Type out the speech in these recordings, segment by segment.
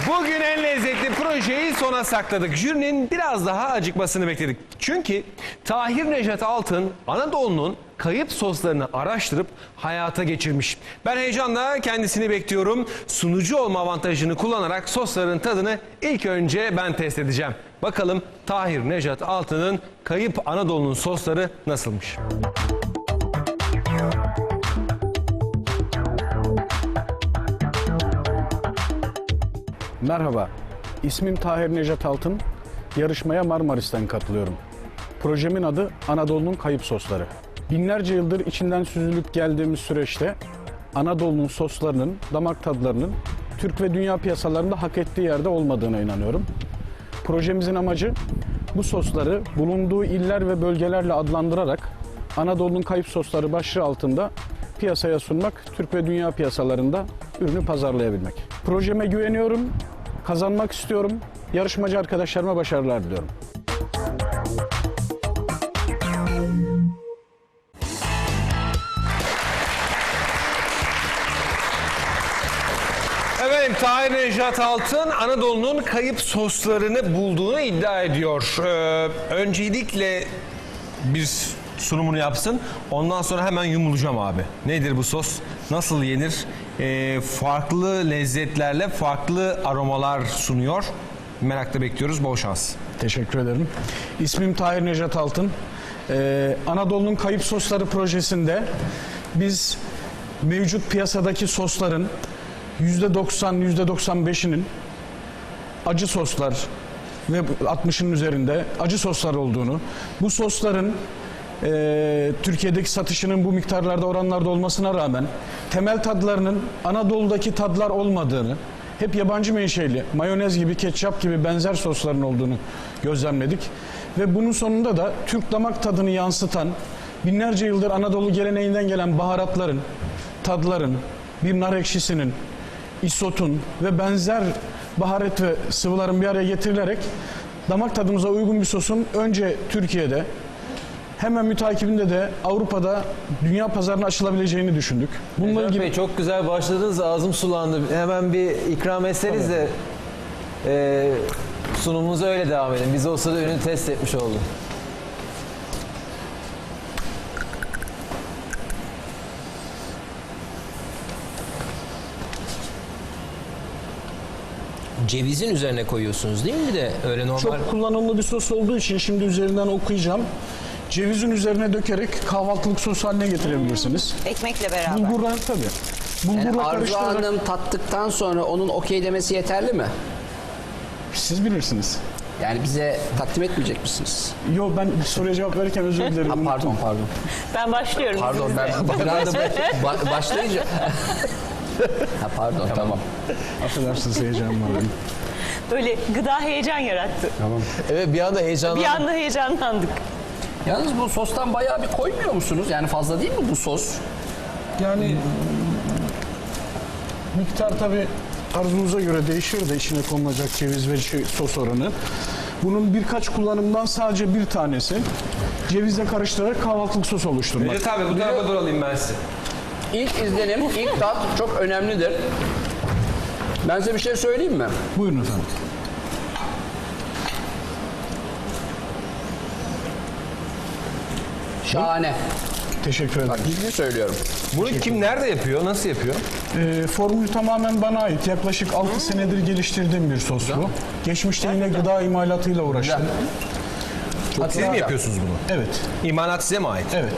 Bugün en lezzetli projeyi sona sakladık. Jürinin biraz daha acıkmasını bekledik. Çünkü Tahir Nejat Altın Anadolu'nun kayıp soslarını araştırıp hayata geçirmiş. Ben heyecanla kendisini bekliyorum. Sunucu olma avantajını kullanarak sosların tadını ilk önce ben test edeceğim. Bakalım Tahir Nejat Altın'ın kayıp Anadolu'nun sosları nasılmış? Merhaba, ismim Tahir Nejat Altın. Yarışmaya Marmaris'ten katılıyorum. Projemin adı Anadolu'nun Kayıp Sosları. Binlerce yıldır içinden süzülüp geldiğimiz süreçte Anadolu'nun soslarının, damak tadlarının Türk ve dünya piyasalarında hak ettiği yerde olmadığına inanıyorum. Projemizin amacı bu sosları bulunduğu iller ve bölgelerle adlandırarak Anadolu'nun Kayıp Sosları başlığı altında piyasaya sunmak, Türk ve dünya piyasalarında ürünü pazarlayabilmek. Projeme güveniyorum, kazanmak istiyorum. Yarışmacı arkadaşlarıma başarılar diliyorum. Efendim Tahir Nejat Altın Anadolu'nun kayıp soslarını bulduğunu iddia ediyor. Öncelikle bir sunumunu yapsın. Ondan sonra hemen yumulacağım abi. Nedir bu sos? Nasıl yenir? Farklı lezzetlerle farklı aromalar sunuyor. Merakla bekliyoruz. Bol şans. Teşekkür ederim. İsmim Tahir Nejat Altın. Anadolu'nun Kayıp Sosları projesinde biz mevcut piyasadaki sosların %90, %95'inin acı soslar ve 60'ın üzerinde acı soslar olduğunu, bu sosların Türkiye'deki satışının bu miktarlarda, oranlarda olmasına rağmen temel tadlarının Anadolu'daki tadlar olmadığını, hep yabancı menşeli, mayonez gibi, ketçap gibi benzer sosların olduğunu gözlemledik. Ve bunun sonunda da Türk damak tadını yansıtan, binlerce yıldır Anadolu geleneğinden gelen baharatların, tadların, bir nar ekşisinin, isotun ve benzer baharat ve sıvıların bir araya getirilerek damak tadımıza uygun bir sosun önce Türkiye'de, hemen mütakibinde de Avrupa'da dünya pazarına açılabileceğini düşündük. Bununla Nejat ilgili Bey, çok güzel başladınız, ağzım sulandı. Hemen bir ikram etseniz de sunumumuza öyle devam edin. Biz o sırada ürünü test etmiş olduk. Cevizin üzerine koyuyorsunuz değil mi, bir de öyle normal? çok kullanımlı bir sos olduğu için şimdi üzerinden okuyacağım. Cevizin üzerine dökerek kahvaltılık sos haline getirebilirsiniz. Ekmekle beraber. Bulgurla tabii. Bulgurla Yani Arzu karıştırarak Hanım tattıktan sonra onun okey demesi yeterli mi? siz bilirsiniz. Yani bize takdim etmeyecek misiniz? Yo, ben soruya cevap verirken özür dilerim. Ha, pardon. Ben başlıyorum. Pardon izninizle. ben başlayınca... Ha, pardon tamam. Affedersiniz, heyecanım var benim. Böyle gıda heyecan yarattı. Evet, bir anda heyecanlandım. Bir anda heyecanlandık. Yalnız bu sostan bayağı bir koymuyor musunuz? Yani fazla değil mi bu sos? Yani miktar tabii arzunuza göre değişir de içine konulacak ceviz ve sos oranı. Bunun birkaç kullanımdan sadece bir tanesi cevizle karıştırarak kahvaltılık sos oluşturmak. Necdet abi bu tarafa dur alayım ben size. İlk izlenim, ilk tat çok önemlidir. Ben size bir şey söyleyeyim mi? Buyurun efendim. Şahane. Teşekkür ederim. Bak ciddi söylüyorum. Bunu kim nerede yapıyor? Nasıl yapıyor? Formül tamamen bana ait. Yaklaşık 6 senedir geliştirdiğim bir sos bu. Geçmişte yine gıda imalatıyla uğraştım. Siz mi yapıyorsunuz bunu? Evet, İmalat size mi ait? evet.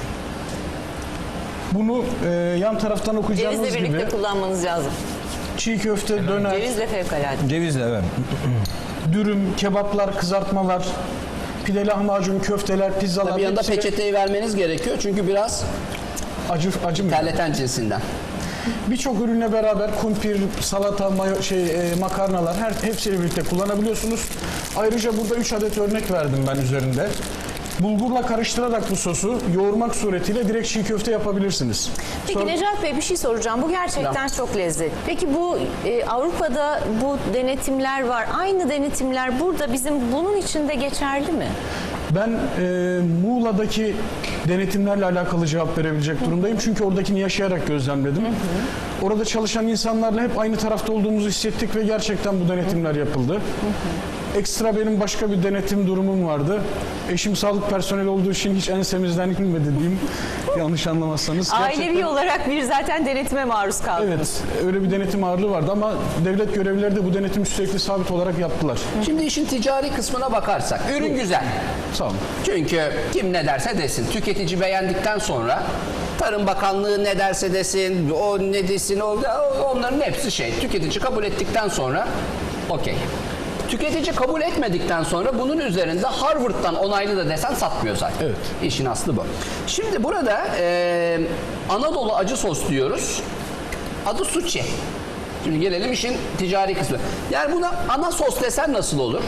Bunu yan taraftan okuyacağınız Cevizle birlikte gibi kullanmanız lazım. çiğ köfte, döner, Cevizle fevkalade. Cevizle evet. dürüm, kebaplar, kızartmalar, pide, lahmacun, köfteler, pizzalar. Bir yanda hepsi peçeteyi vermeniz gerekiyor çünkü biraz acı mı? terleten cinsinden. Birçok ürünle beraber kumpir, salata, makarnalar hepsiyle birlikte kullanabiliyorsunuz. Ayrıca burada 3 adet örnek verdim ben üzerinde. Bulgurla karıştırarak bu sosu yoğurmak suretiyle direkt çiğ köfte yapabilirsiniz. Peki Necat Bey, bir şey soracağım. Bu gerçekten çok lezzetli. Peki bu Avrupa'da bu denetimler var. Aynı denetimler burada bizim bunun için de geçerli mi? Ben Muğla'daki denetimlerle alakalı cevap verebilecek durumdayım. Çünkü oradakini yaşayarak gözlemledim. orada çalışan insanlarla hep aynı tarafta olduğumuzu hissettik ve gerçekten bu denetimler yapıldı. Ekstra benim başka bir denetim durumum vardı. Eşim sağlık personeli olduğu için hiç ensemizden inmedi diyeyim. Yanlış anlamazsanız. Ailevi olarak bir zaten denetime maruz kaldınız. Evet, öyle bir denetim ağırlığı vardı ama devlet görevlileri de bu denetim sürekli sabit olarak yaptılar. Şimdi işin ticari kısmına bakarsak, ürün güzel. Sağ olun. Çünkü kim ne derse desin, tüketici beğendikten sonra Tarım Bakanlığı ne derse desin, o ne desin, onların hepsi tüketici kabul ettikten sonra okey. Tüketici kabul etmedikten sonra bunun üzerinde Harvard'dan onaylı da desen satmıyor zaten. Evet. İşin aslı bu. Şimdi burada Anadolu acı sos diyoruz. Adı suçi. Şimdi gelelim işin ticari kısmı. Yani buna ana sos desen nasıl olur?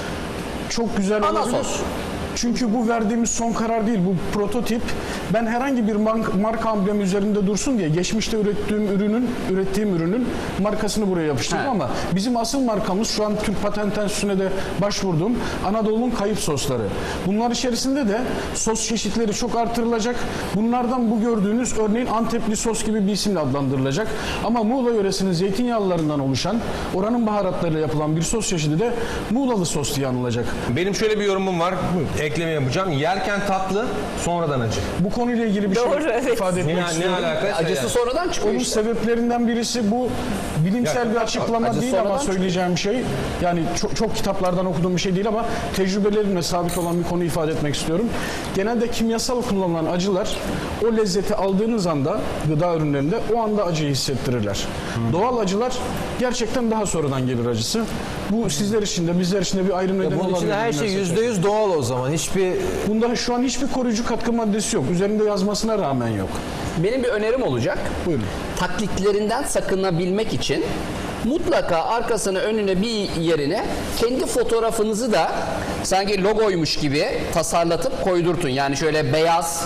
Çok güzel Ana olabilir. sos. Çünkü bu verdiğimiz son karar değil, bu prototip. Ben herhangi bir marka amblemi üzerinde dursun diye geçmişte ürettiğim ürünün markasını buraya yapıştırdım He. ama bizim asıl markamız şu an Türk Patent Enstitüsü'ne de başvurduğum Anadolu'nun kayıp sosları. Bunlar içerisinde de sos çeşitleri çok artırılacak. Bunlardan bu gördüğünüz örneğin Antepli sos gibi bir isimle adlandırılacak. Ama Muğla yöresinin zeytinyağlılarından oluşan, oranın baharatlarıyla yapılan bir sos çeşidi de Muğlalı sos diye anılacak. Benim şöyle bir yorumum var. Ekleme yapacağım. Yerken tatlı, sonradan acı. Bu konuyla ilgili bir Doğru, şey evet. ifade etmek Ne istiyorum. alakası? Acısı sonradan çıkıyor Onun işte. sebeplerinden birisi bu bilimsel bir açıklama acı değil ama sonradan söyleyeceğim şey yani çok kitaplardan okuduğum bir şey değil ama tecrübelerimle sabit olan bir konu ifade etmek istiyorum. Genelde kimyasal kullanılan acılar o lezzeti aldığınız anda gıda ürünlerinde o anda acıyı hissettirirler. Doğal acılar gerçekten daha sonradan gelir acısı. Bu sizler için de bizler için de bir ayrım nedeni Bunun olabilir. içinde her şey %100 doğal o zaman. Hiçbir Bunda şu an hiçbir koruyucu katkı maddesi yok. Üzerinde yazmasına rağmen yok. Benim bir önerim olacak. Buyurun. Taklitlerinden sakınabilmek için mutlaka arkasına önüne bir yerine kendi fotoğrafınızı da sanki logoymuş gibi tasarlatıp koydurtun. Yani şöyle beyaz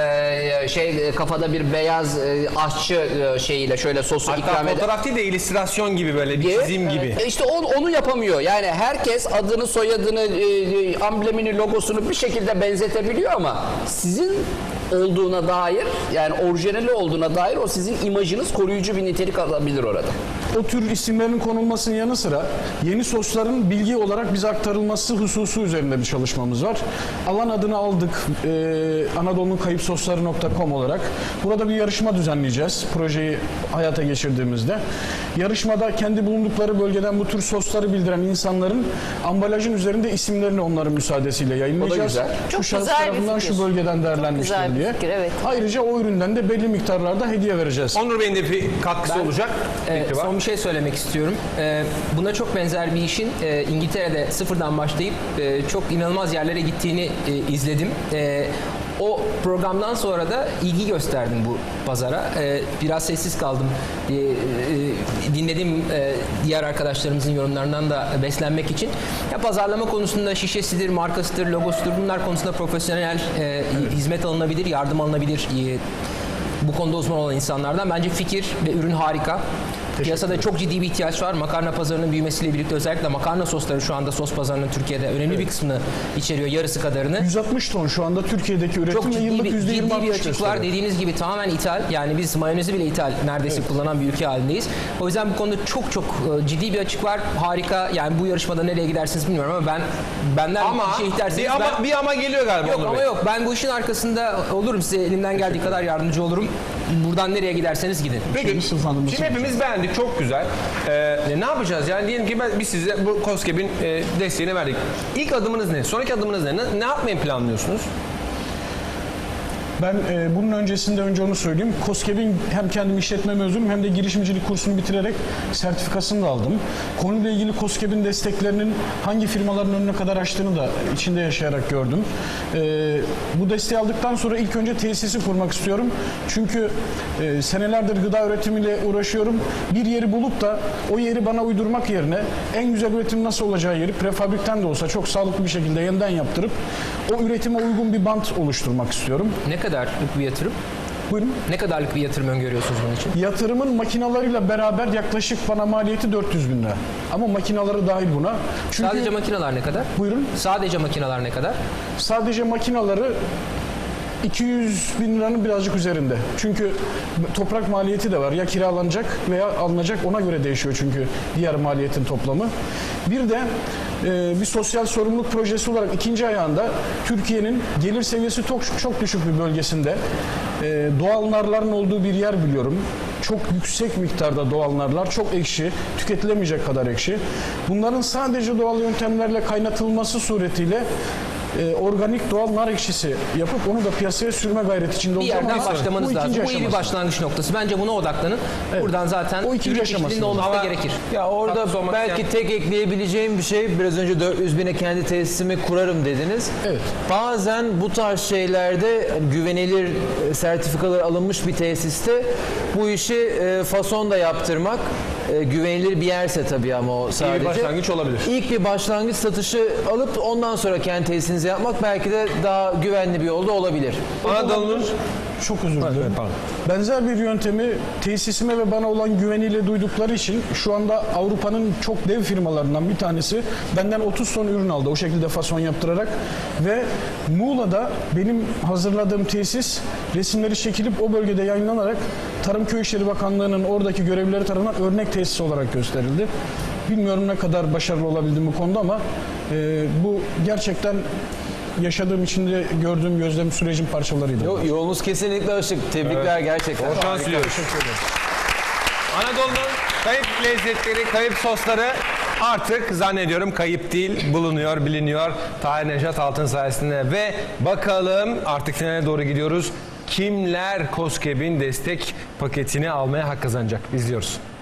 kafada bir beyaz aşçı şeyiyle şöyle sosu Hatta ikram eder. fotoğraf değil de illüstrasyon gibi böyle bir çizim gibi. İşte onu yapamıyor. Yani herkes adını, soyadını, amblemini, logosunu bir şekilde benzetebiliyor ama sizin olduğuna dair, yani orijinali olduğuna dair o sizin imajınız koruyucu bir nitelik alabilir orada. O tür isimlerin konulmasının yanı sıra yeni sosların bilgi olarak bize aktarılması hususu üzerinde bir çalışmamız var. Alan adını aldık Anadolu'nun kayıpsosları.com olarak. Burada bir yarışma düzenleyeceğiz projeyi hayata geçirdiğimizde. Yarışmada kendi bulundukları bölgeden bu tür sosları bildiren insanların ambalajın üzerinde isimlerini onların müsaadesiyle yayınlayacağız. güzel. Çok şu şahıs güzel bir tarafından fikir. şu bölgeden değerlenmiştir güzel bir diye. fikir, evet. Ayrıca o üründen de belli miktarlarda hediye vereceğiz. Onur Bey'in de bir katkısı olacak. Fikri var. Son bir şey söylemek istiyorum. Buna çok benzer bir işin İngiltere'de sıfırdan başlayıp çok inanılmaz yerlere gittiğini izledim. O programdan sonra da ilgi gösterdim bu pazara. Biraz sessiz kaldım. Dinledim diğer arkadaşlarımızın yorumlarından da beslenmek için. Ya pazarlama konusunda şişesidir, markasıdır, logosudur, bunlar konusunda profesyonel hizmet alınabilir, yardım alınabilir. Bu konuda uzman olan insanlardan. Bence fikir ve ürün harika. Piyasada çok ciddi bir ihtiyaç var. Makarna pazarının büyümesiyle birlikte özellikle makarna sosları şu anda sos pazarının Türkiye'de önemli bir kısmını içeriyor, yarısı kadarını. 160 ton şu anda Türkiye'deki üretim Çok ve ciddi yıllık bir, %20 ciddi bir artış açık var. gösteriyor. Dediğiniz gibi tamamen ithal. Yani biz mayonezi bile ithal neredeyse kullanan bir ülke halindeyiz. O yüzden bu konuda çok ciddi bir açık var. Harika. Yani bu yarışmada nereye gidersiniz bilmiyorum ama benden Ama bir şey isterseniz bir ama geliyor galiba Yok Onur ama Bey. yok. Ben bu işin arkasında olurum. Size elimden geldiği kadar yardımcı olurum. Buradan nereye giderseniz gidin. Peki, şimdi hepimiz beğendik, çok güzel. Ne yapacağız? Yani diyelim ki biz size bu KOSGEB'in desteğini verdik. İlk adımınız ne? Sonraki adımınız ne? Ne yapmayı planlıyorsunuz? Ben bunun öncesinde önce onu söyleyeyim. KOSGEB'in hem kendim işletme mezunuyum hem de girişimcilik kursunu bitirerek sertifikasını da aldım. Konuyla ilgili KOSGEB'in desteklerinin hangi firmaların önüne kadar açtığını da içinde yaşayarak gördüm. Bu desteği aldıktan sonra ilk önce tesisi kurmak istiyorum. Çünkü senelerdir gıda üretimiyle uğraşıyorum. Bir yeri bulup da o yeri bana uydurmak yerine en güzel üretim nasıl olacağı yeri prefabrikten de olsa çok sağlıklı bir şekilde yeniden yaptırıp o üretime uygun bir bant oluşturmak istiyorum. Ne kadarlık bir yatırım? Buyurun. Ne kadarlık bir yatırım öngörüyorsunuz bunun için? Yatırımın makinalarıyla beraber yaklaşık bana maliyeti 400 bin lira. Ama makinaları dahil buna. Çünkü Sadece makineler ne kadar? buyurun. Sadece makineler ne kadar? Sadece makinaları 200 bin liranın birazcık üzerinde. Çünkü toprak maliyeti de var. Ya kiralanacak veya alınacak, ona göre değişiyor çünkü diğer maliyetin toplamı. Bir de bir sosyal sorumluluk projesi olarak ikinci ayağında Türkiye'nin gelir seviyesi çok düşük bir bölgesinde doğal narların olduğu bir yer biliyorum. Çok yüksek miktarda doğal narlar, çok ekşi, tüketilemeyecek kadar ekşi. Bunların sadece doğal yöntemlerle kaynatılması suretiyle organik doğal nar ekşisi yapıp onu da piyasaya sürme gayreti içinde Bir olacağım. yerden Ama başlamanız bu lazım. ikinci Bu iyi bir aşaması. başlangıç noktası. Bence buna odaklanın. Evet. Buradan zaten O ikinci ürün aşaması. çeşitliliğinin olması da gerekir. Ya orada Katkısı olmak belki isteyen- tek ekleyebileceğim bir şey, biraz önce 400 bine kendi tesisimi kurarım dediniz. Evet. Bazen bu tarz şeylerde güvenilir sertifikalar alınmış bir tesiste bu işi fason da yaptırmak, güvenilir bir yerse tabii ama o sadece. başlangıç olabilir. İlk bir başlangıç satışı alıp ondan sonra kendi tesisinizi yapmak belki de daha güvenli bir yolda olabilir. Anadolu'nun Çok özür dilerim. Benzer bir yöntemi tesisime ve bana olan güveniyle duydukları için şu anda Avrupa'nın çok dev firmalarından bir tanesi benden 30 ton ürün aldı o şekilde fason yaptırarak ve Muğla'da benim hazırladığım tesis resimleri çekilip o bölgede yayınlanarak Tarım Köy İşleri Bakanlığı'nın oradaki görevlileri tarafından örnek tesis olarak gösterildi. Bilmiyorum ne kadar başarılı olabildim bu konuda ama bu gerçekten yaşadığım içinde gördüğüm gözlem sürecin parçalarıydı. Yolunuz kesinlikle açık. Tebrikler gerçekten. bol şans diliyoruz. Anadolu'nun kayıp lezzetleri, kayıp sosları artık zannediyorum kayıp değil, bulunuyor, biliniyor. Tahir Nejat Altın sayesinde ve bakalım artık finale doğru gidiyoruz. Kimler KOSGEB'in destek paketini almaya hak kazanacak? İzliyoruz.